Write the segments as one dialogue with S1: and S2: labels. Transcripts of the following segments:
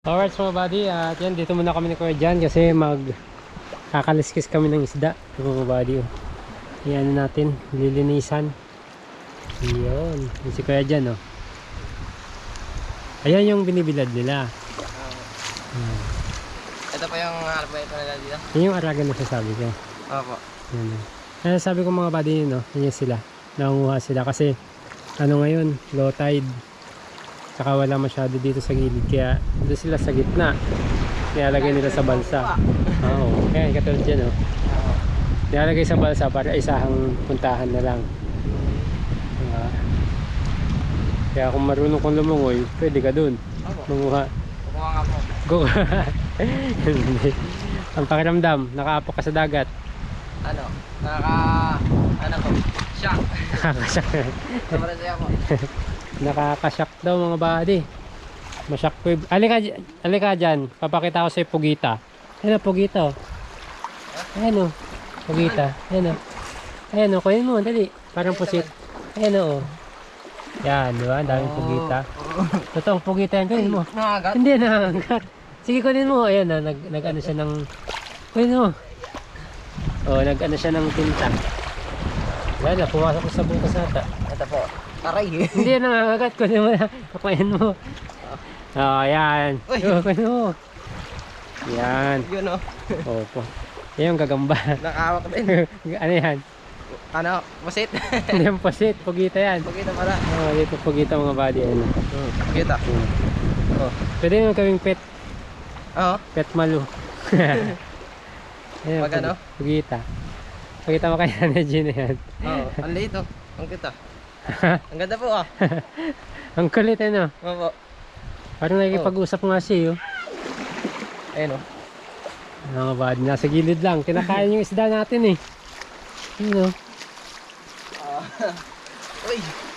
S1: Alright mga buddy, at yan, dito muna kami ni Kuya Jan kasi kakaliskis kami ng isda mga buddy. Yan natin, lilinisan. Yun, yung si Kuya Jan, oh. Ayan yung binibilad nila.
S2: Ito pa yung arbeit nila dito?
S1: Yan yung aragan na sasabi ko.
S2: Opo.
S1: Yan. Kaya sabi ko mga buddy yun, no? Yan sila, nangunguha sila kasi ano ngayon, low tide. Saka wala masyado dito sa gilid, kaya doon sila sa gitna. Nilalagay nila sa balsa. Oo, kaya katulad dyan, oh. Nilalagay sa balsa para isahang puntahan na lang. Kaya kung marunong kong lumungoy, pwede ka dun manguha.
S2: Kukuha nga po.
S1: Go. Ang pakiramdam, nakaapo ka sa dagat.
S2: Ano? Ano po? Shock.
S1: Nakakasyak.
S2: Sobrang saya po.
S1: Nakakasyak daw mga buddy. Mashock-wave. Alika dyan, papakita ko sa pugita. Ayan o, pugita o. Ayan o, pugita. Ayan o. Ayan o, kunin mo, dali. Parang pusit. Ayan o. Yan, di ba? Ang daming pugita. Totoong pugita yan, kunin mo.
S2: Nangagat?
S1: Hindi, nangagat. Sige, kunin mo. Ayan na, nag-ano siya ng... Kunin mo. O, nag-ano siya ng tinta. Wala, pumasok ko sa bukas nata.
S2: Ito po. Aray.
S1: Hindi, nangangagat. Kunin mo na. Kapain mo. O, yan. Kunin mo. Yan.
S2: Yun o.
S1: Opo. Yan yung gagamba.
S2: Nakawak din.
S1: Ano yan?
S2: Ano? Masit?
S1: Hindi yung pasit. Pugita yan.
S2: Pagkita pala.
S1: O, dito pugita mga body. Ano.
S2: Kita. Oh.
S1: Pwede yung kaming pet.
S2: Oo.
S1: Pet malu. Ayan,
S2: Pag ano?
S1: Pugita. Pagkita mo kaya na Gina yan.
S2: Oo. Ang liit o. Ang kita. Ang ganda po ah.
S1: Ang kulit ano.
S2: Opo.
S1: Parang nakikipag-usap nga siya.
S2: Ayun o.
S1: Mga body. Nasa gilid lang. Kinakain yung isda natin eh. Ano?
S2: Uy.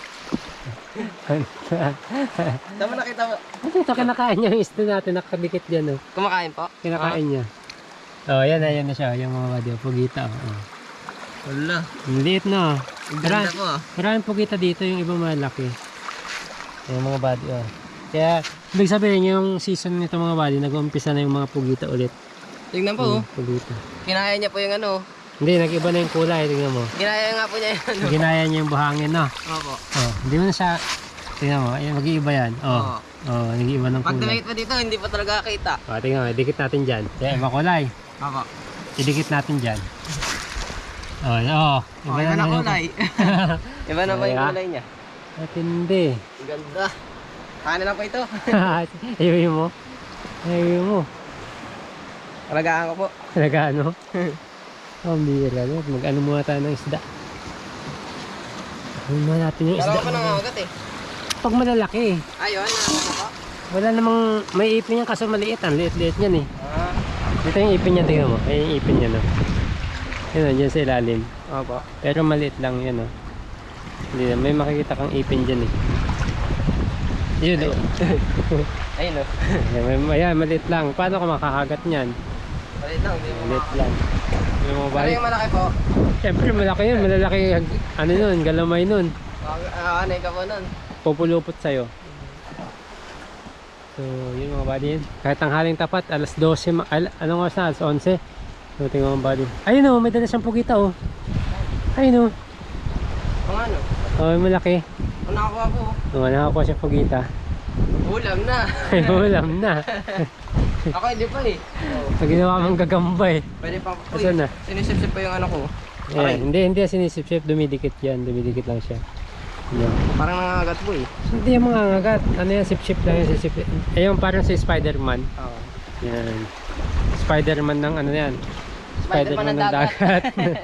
S2: Tama nakita mo.
S1: Ito kinakain niya yung isda natin. Nakadikit dyan oh.
S2: Kumakain po?
S1: Kinakain niya. Oh, yan na siya. Yung mga body. Pugita oh.
S2: Wala.
S1: Ang liit na.
S2: Ang ganda po ah.
S1: Maraming pugita dito. Yung iba malaki. Yung mga body oh. Kaya, ibig sabihin yung season nito mga body, nag-uumpisa na yung mga pugita ulit.
S2: Tingnan po.
S1: Pugita.
S2: Kinaya niya po yung ano.
S1: Hindi, nag-iba na yung kulay. Tingnan mo.
S2: Ginaya nga po niya yung ano.
S1: Ginaya niya yung buhangin, no?
S2: Opo.
S1: Oh, hindi mo na siya... Tingnan mo, ayan, mag-iiba yan. Oh, oh, nag-iiba ng
S2: Pag
S1: kulay.
S2: dumikit pa dito, hindi pa talaga kita.
S1: Oh, tingnan mo, idikit natin dyan. Kaya iba kulay.
S2: Opo.
S1: Idikit natin dyan. Oh, oh.
S2: Iba na kulay. Iba na pa yung
S1: Kaya?
S2: kulay niya.
S1: At hindi.
S2: Ganda. Kanin lang po ito.
S1: Ayuhin mo. Ayuhin mo.
S2: Alagaan ko po.
S1: Talaga ano? Oh, bira no. Mag-ano muna tayo ng isda. Ano muna natin yung isda.
S2: Dalawa pa nangangagat eh.
S1: Pag malalaki.
S2: Ayun, ano po?
S1: Wala namang may ipin yan kaso maliit. Ang liit-liit yan eh.
S2: Ah.
S1: Dito yung ipin niya, tingnan mo. Ay yung ipin niya no. Yun o, dyan sa ilalim.
S2: Opo.
S1: Pero maliit lang yan o. Hindi na, may makikita kang ipin dyan eh. Yun o.
S2: Ayun o.
S1: Ayan, maliit lang. Paano ka makakagat niyan?
S2: Malit lang, hindi mo
S1: Maliit lang. Yung mga
S2: Ano
S1: balik.
S2: yung malaki po?
S1: Siyempre malaki yun. Malalaki ano nun, galamay nun.
S2: Anay ka po nun.
S1: Pupulupot sa'yo. So, yun mga buddy yun. Kahit ang haling tapat, alas 12, anong oras na? Alas 11. So, tingnan mga buddy. Ayun o, may dala siyang pugita o. Ayun o.
S2: Kung ano?
S1: Oh, may malaki.
S2: Kung nakakuha po.
S1: Oh, nakakuha siya pugita.
S2: Ulam na.
S1: Ay, ulam na.
S2: Ako hindi pa eh.
S1: Pag ginawa mong gagamba eh.
S2: Pwede pa po
S1: Asan na?
S2: Sinisip-sip pa yung ano ko.
S1: Ayan, hindi sinisip-sip, dumidikit yan. Dumidikit lang siya. Yan.
S2: Parang nangangagat po eh.
S1: Hindi yung mga ngagat. Ano yan, sip-sip lang yan. Ayun, parang si Spider-Man.
S2: Oo.
S1: Yan. Spider-Man ng ano yan.
S2: Spider-Man ng dagat.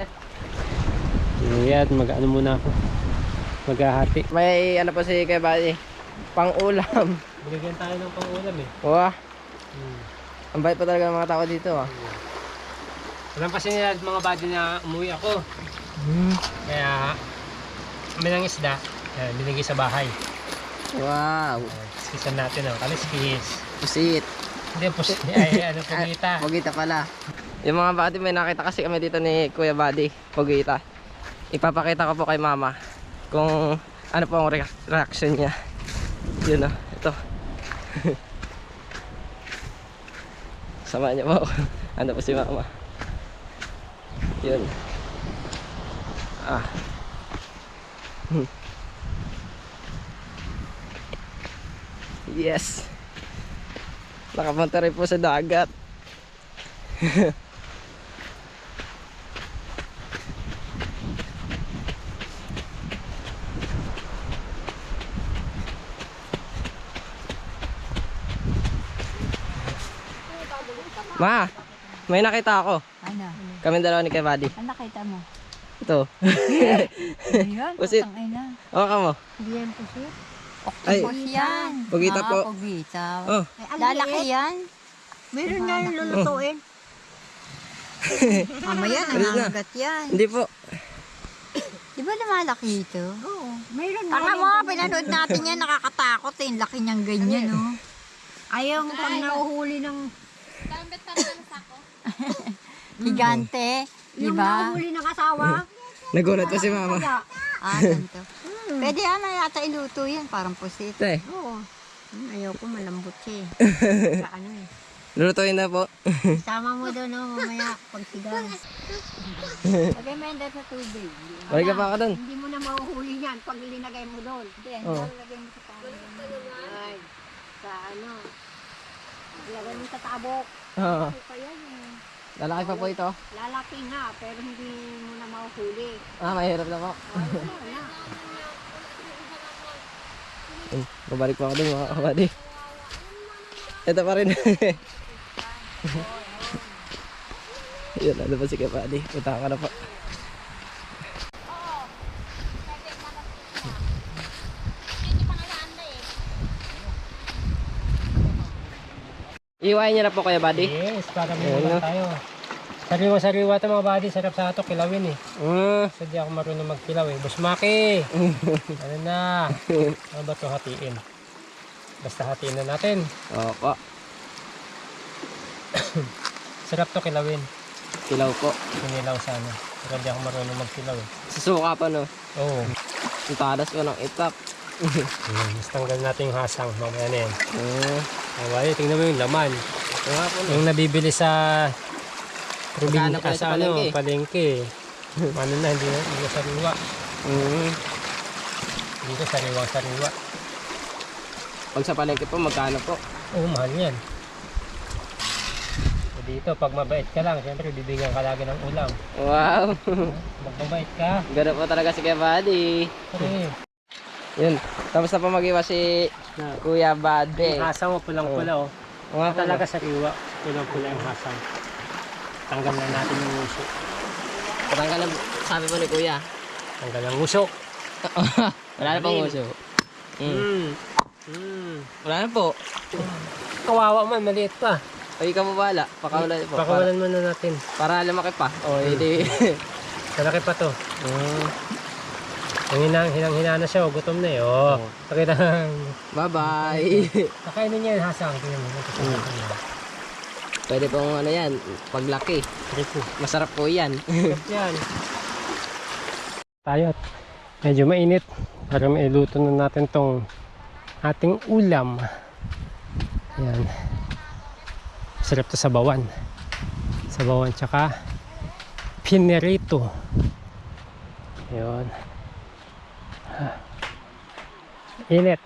S1: Yan, mag-ano muna ako. Maghahati.
S2: May ano pa si Kuya Buddy. Pang ulam.
S1: Bigyan tayo ng pang-ulam eh.
S2: Wah. Ang bait pa talaga ng mga tao dito ah.
S1: Alam kasi nila mga buddy na umuwi ako. Kaya kami ng isda, binigay sa bahay.
S2: Wow.
S1: Kisan natin oh, kaliskis.
S2: Pusit.
S1: Hindi, pusit. Ay, ano, pugita.
S2: Pugita pala. Yung mga buddy, may nakita kasi kami dito ni Kuya Buddy. Pugita. Ipapakita ko po kay mama kung ano po ang reaction niya. Yun oh, ito. Samahan niyo po ako. Ano po si mama. Yun. Ah. Yes. Nakapunta rin po sa dagat. Ma, may nakita ako.
S3: Ano?
S2: Kami dalawa ni Kuya Buddy.
S3: Ano nakita mo?
S2: Ito.
S3: Ayan,
S2: Pusit.
S3: putang ina.
S2: Oo ka mo.
S3: Hindi yan pusit.
S2: Ay.
S3: Octopus yan.
S2: Pugita po.
S3: Pugita.
S2: Oh.
S3: Lalaki yan.
S4: Meron na yung lulutuin.
S3: Mamaya
S2: Alis na.
S3: nangangagat yan.
S2: Hindi po.
S3: Di ba lumalaki ito?
S4: Oo, meron na.
S3: Tama mo, pinanood natin yan. Nakakatakot eh. Laki niyang ganyan, no?
S4: Ayaw pag nahuhuli ng...
S3: Gigante. Di
S4: Yung
S3: ba?
S4: nahuhuli ng asawa.
S2: Nagulat pa si mama.
S4: Kaya,
S3: Ah, ganito. Pwede yan, yata iluto yan. Parang pusit.
S2: Te,
S4: oo. Ayaw ko malambot siya eh. Sa ano eh.
S2: lulutuin na po.
S4: Sama mo doon no, mamaya pag sigang.
S3: Lagay mo yan dahil sa tubig.
S2: Balik ka pa ako dun.
S4: Hindi mo na mahuhuli yan pag linagay mo doon.
S3: Hindi,
S2: Oh.
S3: lagay mo sa tubig.
S4: Ay, sa ano. Lagay mo sa tabok.
S2: Oo.
S4: Ano pa yan eh.
S2: Lalaki pa po ito.
S4: Lalaki nga, pero hindi mo na mahuhuli.
S2: Ah, mahirap na po.
S4: Ayun na.
S2: Babalik po ako dun mga kabady. Ito pa rin. Yun, ano pa si kabady. Punta ka na po. Iwain niya na po kaya buddy.
S1: Yes, para may
S2: Ayun,
S1: ulam
S2: no?
S1: tayo. Sariwa-sariwa ito mga buddy. Sarap sa ito, kilawin eh.
S2: Mm.
S1: So di ako marunong magkilaw eh. Busmaki! Ano na? Ano ba ito hatiin? Basta hatiin na natin.
S2: Opo.
S1: Sarap to kilawin.
S2: Kilaw po.
S1: Sinilaw sana. Pero di ako marunong magkilaw eh.
S2: Susuka pa no.
S1: Oo.
S2: Ang tadas ko ng itap.
S1: Mas tanggal natin yung hasang. Mamaya na yan.
S2: Mm.
S1: Away, tingnan mo yung laman.
S2: Ito nga po no.
S1: Yung nabibili sa
S2: Magkano
S1: probinsya
S2: pala sa
S1: sa ano,
S2: palengke?
S1: palengke. Ano na, hindi na sariwa.
S2: Mm.
S1: Dito sariwa-sariwa.
S2: Pag sa palengke po, magkano po?
S1: Oo, mahal yan. So dito, pag mabait ka lang, siyempre bibigyan ka lagi ng ulam.
S2: Wow.
S1: Magbabait ka.
S2: Gano'n po talaga si Kuya Buddy.
S1: Pre,
S2: Yun. Tapos na po mag-iwa si Kuya Buddy.
S1: yung hasang mo pulang-pula oh.
S2: Mga
S1: Talaga sariwa, pulang-pula yung hasang. Tanggal na natin yung uso.
S2: Patanggal ang sabi po ni Kuya.
S1: Tanggal ang uso.
S2: Wala na pong uso. Mm. Wala na po.
S1: Kawawa man, maliit pa.
S2: Ay, ikaw po bahala. Pakawalan po.
S1: Pakawalan muna natin.
S2: Para lumaki pa.
S1: Oh,
S2: Hindi.
S1: Malaki pa to. Yung hinang-hina na siya, oh, gutom na eh. Oh, pakita ng...
S2: Bye-bye.
S1: Kakainin niya yung hasang. Tingnan mo.
S2: Pwede pong ano yan, paglaki.
S1: Rico.
S2: Masarap po yan.
S1: Yan. Tayo. Medyo mainit. Para mailuto na natin tong ating ulam. Ayan. Sarap to sa bawan. Sa bawan tsaka pinerito. Ayan. Init.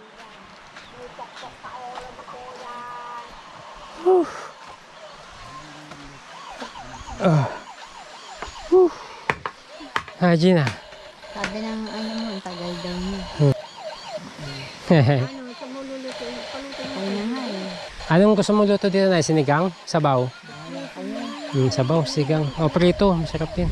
S1: Whew. Gina.
S3: Sabi ng ano mo, ang tagal daw niya.
S4: Ano, sa mululutuin. Palutuin mo.
S3: Ay na nga eh.
S1: Anong gusto mo luto dito na? Sinigang? Sabaw? Sabaw, sigang. O, prito. Masarap din.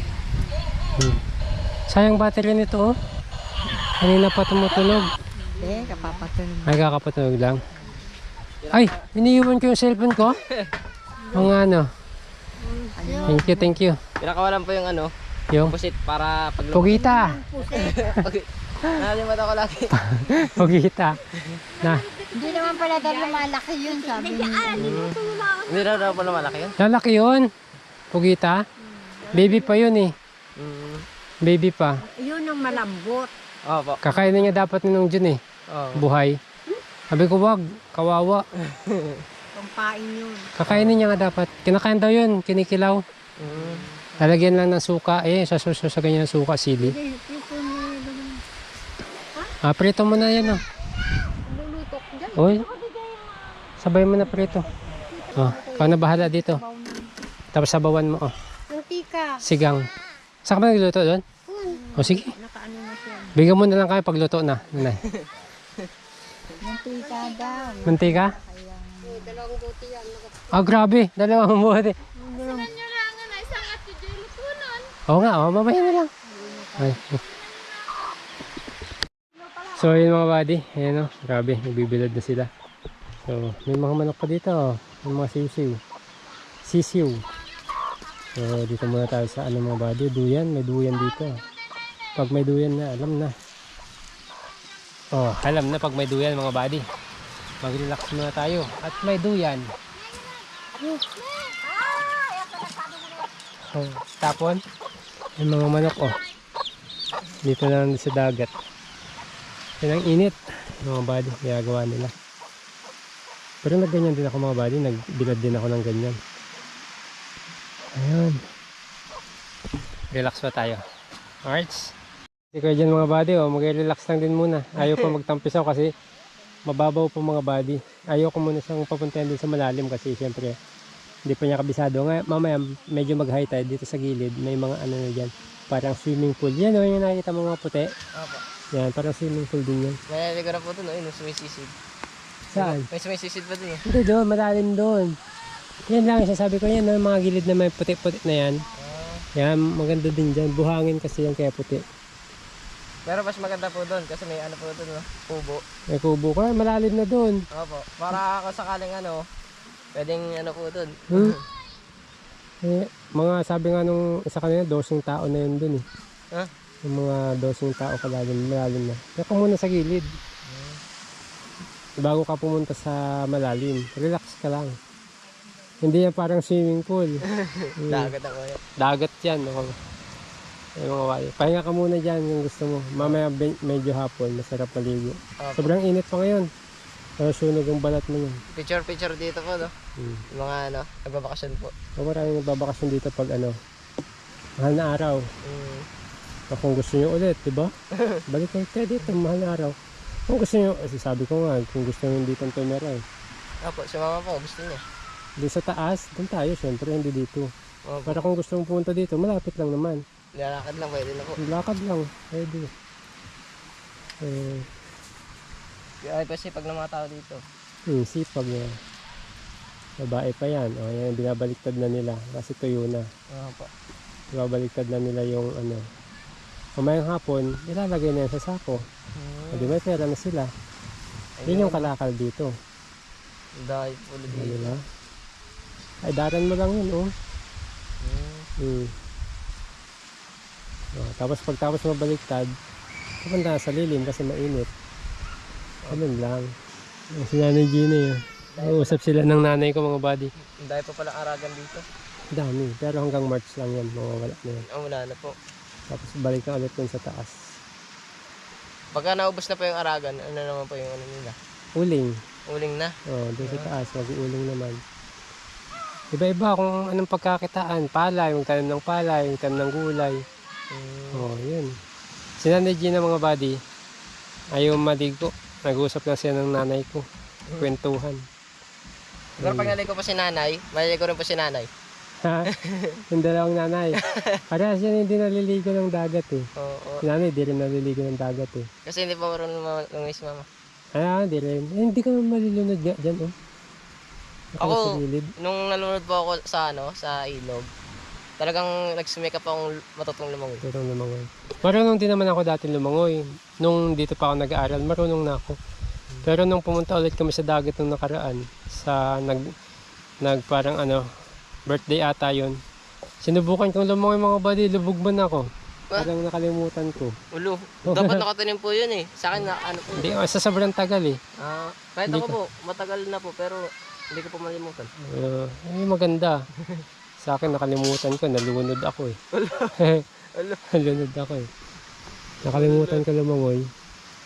S1: Sayang battery nito, oh. Kanina pa tumutunog.
S3: Eh, kapapatunog.
S1: Ay, kakapatunog lang. Ay, iniiwan ko yung cellphone ko. Mga ano. Thank you, thank you.
S2: Pinakawalan po yung ano,
S1: Yung
S2: pusit para pag
S1: pugita.
S2: Nakalimutan ko lagi.
S1: Pugita. Na,
S3: Hindi naman pala daw lumalaki yun, sabi niya.
S2: Hindi raw po lumalaki yun.
S1: lalaki yun. Pugita. Baby pa yun eh. Baby pa.
S4: Yun ang malambot.
S2: Opo.
S1: Kakainin niya dapat ni Nung Jun eh.
S2: Oo.
S1: Buhay. Sabi ko wag, kawawa.
S4: Pampain yun.
S1: Kakainin niya nga dapat. Kinakain daw yun, kinikilaw.
S2: Mm.
S1: Lalagyan lang ng suka. Sa suso sa ganyan ng suka, sili.
S4: Hindi, ito na
S1: Prito mo na yan, oh.
S4: lulutok dyan.
S1: Uy, sabay mo na prito. Ikaw na bahala dito. Tapos sabawan mo,
S4: Mantika.
S1: sigang. Saan ka ba nagluto doon? Sige.
S4: Nakaano na siya.
S1: Bigyan mo na lang kami pagluto na. Nanay.
S3: Mantika daw.
S1: Mantika?
S4: Dalawang buti yan.
S1: Grabe. Dalawang buti.
S4: Nyo lang na isang at yung lutunon.
S1: Oo nga, mamaya na lang. Ay. So, yun mga buddy. Ayan, grabe. Nagbibilad na sila. So, may mga manok pa dito. May mga sisiw. Sisiw. So, dito muna tayo sa mga buddy. Duyan. May duyan dito. Pag may duyan na, alam na. Alam na pag may duyan mga buddy. Mag-relax muna tayo. At may duyan. Tapon. Yung mga manok, dito na lang sa dagat. Yan ang init. Mga buddy, ginagawa nila. Pero nagganyan din ako mga buddy. Nagbilad din ako ng ganyan. Ayun. Relax pa tayo. Alright. Hindi ko dyan mga buddy, mag-relax lang din muna. Ayaw pa magtampisaw kasi mababaw pa mga buddy. Ayaw ko muna siyang papuntayan din sa malalim kasi syempre hindi pa niya kabisado. Mamaya medyo mag-high tide dito sa gilid. May mga ano na dyan. Parang swimming pool. Yan yung nakikita mo mga puti.
S2: Opo.
S1: Yan, parang swimming pool din yan.
S2: Naliligo na po ito, no? Yung sumisisid.
S1: Saan?
S2: May sumisisid pa dun,
S1: Hindi doon, malalim doon. Yan lang, sasabi ko yan, mga gilid na may puti-puti na yan. Yan, maganda din dyan. Buhangin kasi yan kaya puti.
S2: Pero mas maganda po doon kasi may ano po doon, no? Kubo.
S1: May kubo ka, malalim na doon.
S2: Opo. Para kung sakaling pwedeng po doon.
S1: Mga sabi nga nung isa kanina, 12 tao na yun doon eh.
S2: Ha?
S1: Yung mga 12 tao kalalim, malalim na. Kaya ka muna sa gilid. Bago ka pumunta sa malalim, relax ka lang. Hindi yan parang swimming pool.
S2: Dagat ako yan.
S1: Dagat yan. Ay, mga wali. Pahinga ka muna dyan kung gusto mo. Mamaya medyo hapon, masarap maligo.
S2: Opo.
S1: Sobrang init pa ngayon. Pero sunog ang balat mo yun.
S2: Picture dito po, no? Yung mga nagbabakasyon po.
S1: Maraming nagbabakasyon dito pag mahal na araw. Kung gusto nyo ulit, di ba? Balik kayo dito, mahal na araw. Kung gusto nyo, sabi ko nga, kung gusto nyo dito ang tumira
S2: Opo, si mama po, gusto niya.
S1: Doon sa taas, doon tayo, syempre, hindi dito.
S2: Opo.
S1: Para kung gusto mong pumunta dito, malapit lang naman.
S2: Lalakad lang, pwede na po.
S1: Lakad lang, pwede.
S2: Ay, kasi pag ng mga tao dito.
S1: Sipag na. Babae pa yan. Yan, binabaliktad na nila kasi tuyo na.
S2: Opo.
S1: Binabaliktad na nila yung Mamayang hapon, ilalagay na yan sa sako. Di ba, pera na sila. Yun yung kalakal dito.
S2: Dahil po dito.
S1: Diba? Ay, daran mo lang yun, Tapos pagtapos mabaliktad, pupunta sa lilim kasi mainit. Ganun lang. Si Nanay Gina yun. Uusap sila ng nanay ko mga buddy.
S2: Dahil po palang aragan dito.
S1: Dami. Pero hanggang March lang yan. Mawawala na yan.
S2: Wala na po.
S1: Tapos balik na ulit dun sa taas.
S2: Pagka naubos na po yung aragan, ano naman po yung nila?
S1: Uling.
S2: Uling na.
S1: Dun sa taas. Mag-uuling naman. Iba-iba kung anong pagkakitaan. Palay, magtanim ng palay, magtanim ng gulay. Yun. Si Nanay Gina mga buddy, ayaw maligo. Nag-uusap lang siya ng nanay ko. Kwentuhan.
S2: Pero pag naligo po si nanay, maliligo rin po si nanay.
S1: Ha? Yung dalawang nanay. Parehas yan hindi naliligo ng dagat eh.
S2: Oo.
S1: Si nanay di rin naliligo ng dagat eh.
S2: Kasi hindi pa marunong lumangis si mama.
S1: Hindi rin. Hindi ka malilunod dyan
S2: Ako,
S1: sa gilid.
S2: nung nalunod po ako sa ilog, talagang nagsumikap akong matutong lumangoy.
S1: Marunong lumangoy. Marunong din naman ako dati lumangoy. Nung dito pa ako nag-aaral, marunong na ako. Pero nung pumunta ulit kami sa dagat nung nakaraan, sa parang birthday ata yun. Sinubukan kong lumangoy mga buddy, lubog man ako. Parang nakalimutan ko.
S2: Ulo, dapat nakatanim po yun eh. Sa akin po.
S1: Hindi, sa sobrang tagal eh.
S2: Kahit ako po, matagal na po, pero hindi ko po malimutan.
S1: Maganda. Sa akin nakalimutan ko, nalunod ako eh. Nalunod ako eh. Nakalimutan ko lumangoy.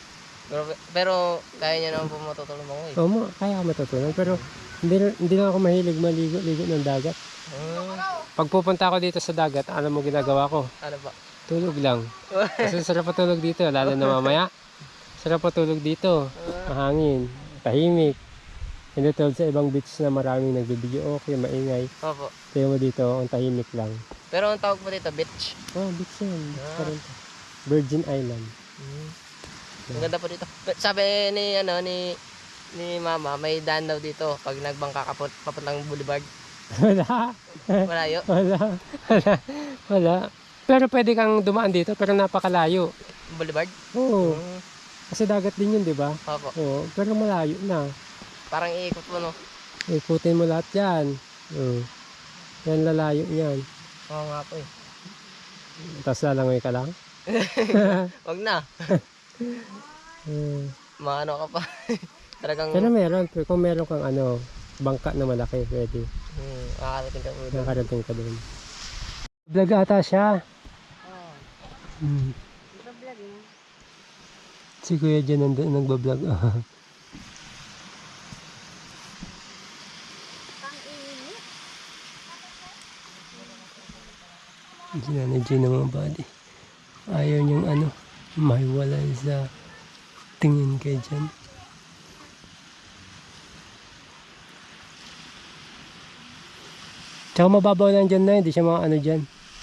S2: Pero kaya niya naman po matutulong mo eh.
S1: Oo, kaya ako matutunan. Pero hindi lang ako mahilig maligo-ligo ng dagat. Pag pupunta ako dito sa dagat, alam mo ginagawa ko?
S2: Ano ba?
S1: Tulog lang. Kasi sarap patulog dito, lalo na mamaya. Sarap patulog dito. Mahangin, tahimik. Hindi tulad sa ibang beach na maraming nagbibideo okay, maingay.
S2: Opo.
S1: Kaya mo dito, ang tahimik lang.
S2: Pero ang tawag po dito, beach.
S1: Oh, beach yan. Beach pa rin to. Virgin Island.
S2: Ang ganda po dito. Sabi ni mama, may daan daw dito pag nagbangka ka papuntang Boulevard.
S1: Wala.
S2: Malayo.
S1: Wala. Pero pwede kang dumaan dito, pero napakalayo.
S2: Boulevard?
S1: Oo. Kasi dagat din yun, di ba?
S2: Opo.
S1: Oo. Pero malayo na.
S2: Parang iikot mo, no?
S1: Ikutin mo lahat yan. Oo. Yan lalayo yan.
S2: Oo nga po eh.
S1: Tapos lalangoy ka lang.
S2: Wag na. Maano ka pa. Talagang
S1: Pero meron. Kung meron kang bangka na malaki, pwede.
S2: makakarating ka po doon.
S1: Nakarating ka doon. Vlog ata siya. Hmm. Si Kuya dyan nagbablog. Si Nanay Jean ng mga body. Ayaw niyang mahiwalay sa tingin kay dyan. Tsaka mababaw lang dyan na, hindi siya mga dyan.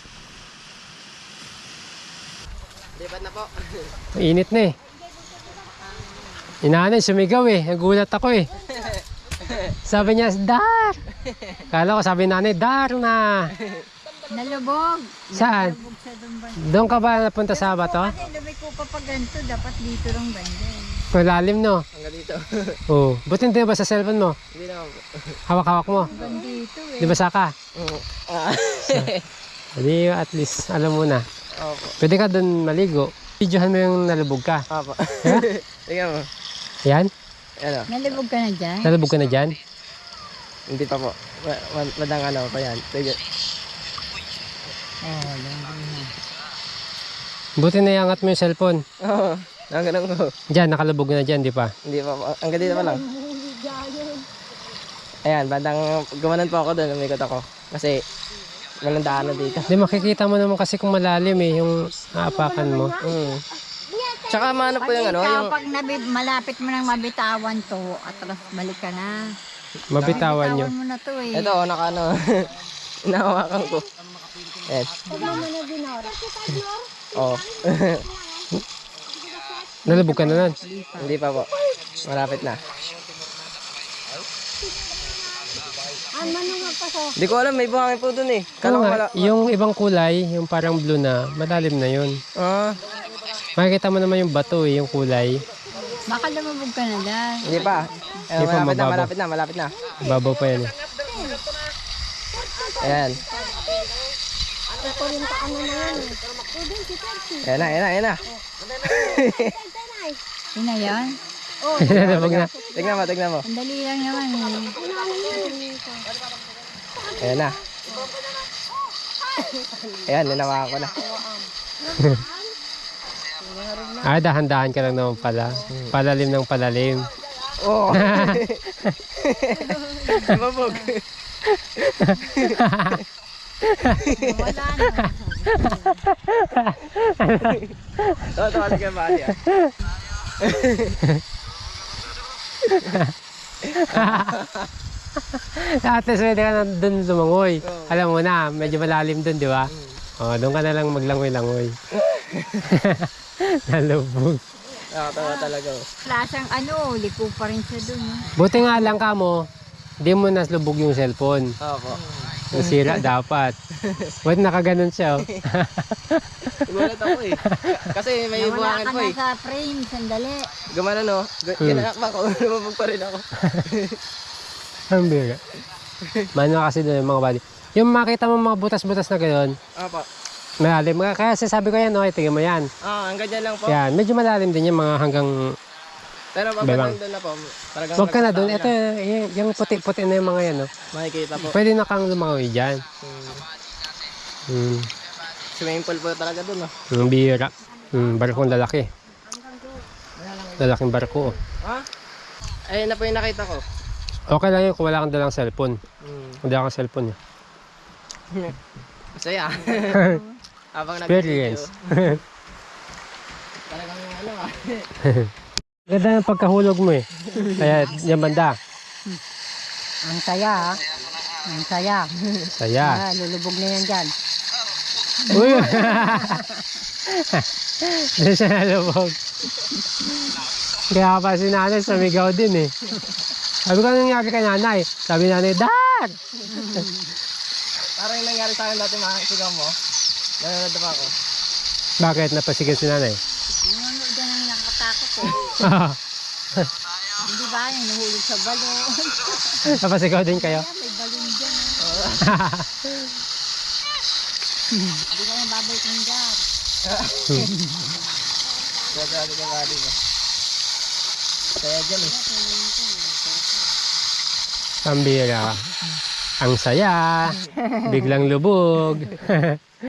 S2: Lipat na po.
S1: Mainit na eh. Inanay, sumigaw eh. Nagulat ako eh. Sabi niya, Dar! Kala ko sabi nanay, Dar na!
S3: Nalubog.
S1: Saan?
S3: Nalubog sa Dumban.
S1: Doon ka ba napunta sa bato?
S3: Kasi lumiko pa pa ganito, dapat dito lang banda.
S1: Malalim no?
S2: Hanggang dito.
S1: Oo. Buti hindi ba sa cellphone mo?
S2: Hindi naman po.
S1: Hawak-hawak mo.
S3: Hanggang dito eh.
S1: Di ba saka?
S2: Ah.
S1: Hindi, at least alam mo na.
S2: Opo.
S1: Pwede ka doon maligo. Videohan mo yung nalubog ka.
S2: Opo.
S1: Ha?
S2: Tingnan mo.
S1: Yan?
S2: Ano?
S3: Nalubog ka na dyan?
S1: Nalubog ka na dyan?
S2: Hindi pa po. Madang pa yan. Sige.
S1: Buti na iangat mo yung cellphone.
S2: Oo. Ganun ko.
S1: Dyan, nakalubog na dyan, di pa?
S2: Hindi pa po. Hanggang dito pa lang. Ayan, bandang gumanan po ako doon. Umikot ako. Kasi walang daanan dito.
S1: Hindi, makikita mo naman kasi kung malalim eh, yung aapakan mo.
S2: Tsaka maano po yung
S3: Ikaw, pag malapit mo nang mabitawan to, atras balik ka na.
S1: Mabitawan nyo.
S3: Bitawan mo na to eh.
S2: Ito, inahawakan ko. Yes. Oo.
S1: Nalubog ka na nun.
S2: Hindi pa po. Malapit na. Hindi ko alam, may buhangin po dun eh.
S1: Oo
S2: Kala ko
S1: nga, yung ibang kulay, yung parang blue na, malalim na yun. Makikita mo naman yung bato eh, yung kulay.
S3: Baka lumubog ka na dyan.
S2: Hindi pa.
S1: Hindi pa mababaw.
S2: Malapit na.
S1: Babaw pa yan eh.
S2: Ayan. Ayan na.
S3: Yun na yan.
S1: Nalubog na.
S2: Tignan mo.
S3: Ang dali lang naman eh.
S2: Ayan na. Ayan, ninawakan ko na.
S1: Dahan-dahan ka lang naman pala. Palalim ng palalim.
S2: Oo. Mabog.
S3: Wala na.
S2: Tawa ka ba niya?
S1: At least pwede ka na doon lumangoy. Alam mo na, medyo malalim doon, di ba? Doon ka na lang maglangoy-langoy. Nalubog.
S2: Tawa talaga.
S3: Klasang liko pa rin siya dun.
S1: Buti nga lang ka mo, di mo naslubog yung cellphone.
S2: Opo.
S1: Nasira dapat. Ba't nakaganon siya?
S2: Gulat ako eh. Kasi may
S3: Nawala
S2: buhangin
S3: ka
S2: po
S3: na
S2: eh.
S3: sa frame, sandali.
S2: Gumana no? Ginakak ko. Lumabog pa rin ako.
S1: Ang bira. Mano kasi doon yung mga body. Yung makita mo mga butas-butas na gano'n,
S2: Opo.
S1: malalim. Kaya sasabi ko yan, okay, tingnan mo yan.
S2: Hanggang dyan lang po.
S1: Yan, medyo malalim din yung mga hanggang...
S2: Pero
S1: Bebang.
S2: pag doon na po. Talagang
S1: Huwag ka na doon.
S2: nagtataka
S1: Ito, yung puti-puti na yung mga yan. No?
S2: Makikita po.
S1: Pwede na kang lumangoy dyan.
S2: Swimming pool po talaga doon. No?
S1: Ang bira. Barkong lalaki. Lalaking barko. Oh.
S2: Ha? Ayun na po yung nakita ko.
S1: Okay lang yun kung wala kang dalang cellphone.
S2: Hmm.
S1: Hindi ako cellphone.
S2: Masaya. Habang
S1: Experience.
S2: nag-video. Talagang ano ah.
S1: Ganda ng pagkahulog mo eh. Kaya yung banda.
S3: Ang saya, ah. Ang saya.
S1: Saya.
S3: Ah, lulubog na yan dyan.
S1: Uy! Hindi siya nalubog. Kaya pa si nanay sumigaw din eh. Sabi ko, anong nangyari kay nanay? Sabi nanay, Dad!
S2: Parang yung nangyari sa akin dati makakasigaw mo. Nanonood pa ako.
S1: Bakit napasigaw si nanay?
S3: Nanonood yan ang nakatakot eh. Hindi ba yung nahulog sa balon?
S1: Napasigaw din kayo?
S3: Kaya may balon dyan. Hindi ka na babalik ng dyan.
S2: Grabe ka ba, di ba? Kaya dyan eh.
S1: Pambira. Ang saya. Biglang lubog.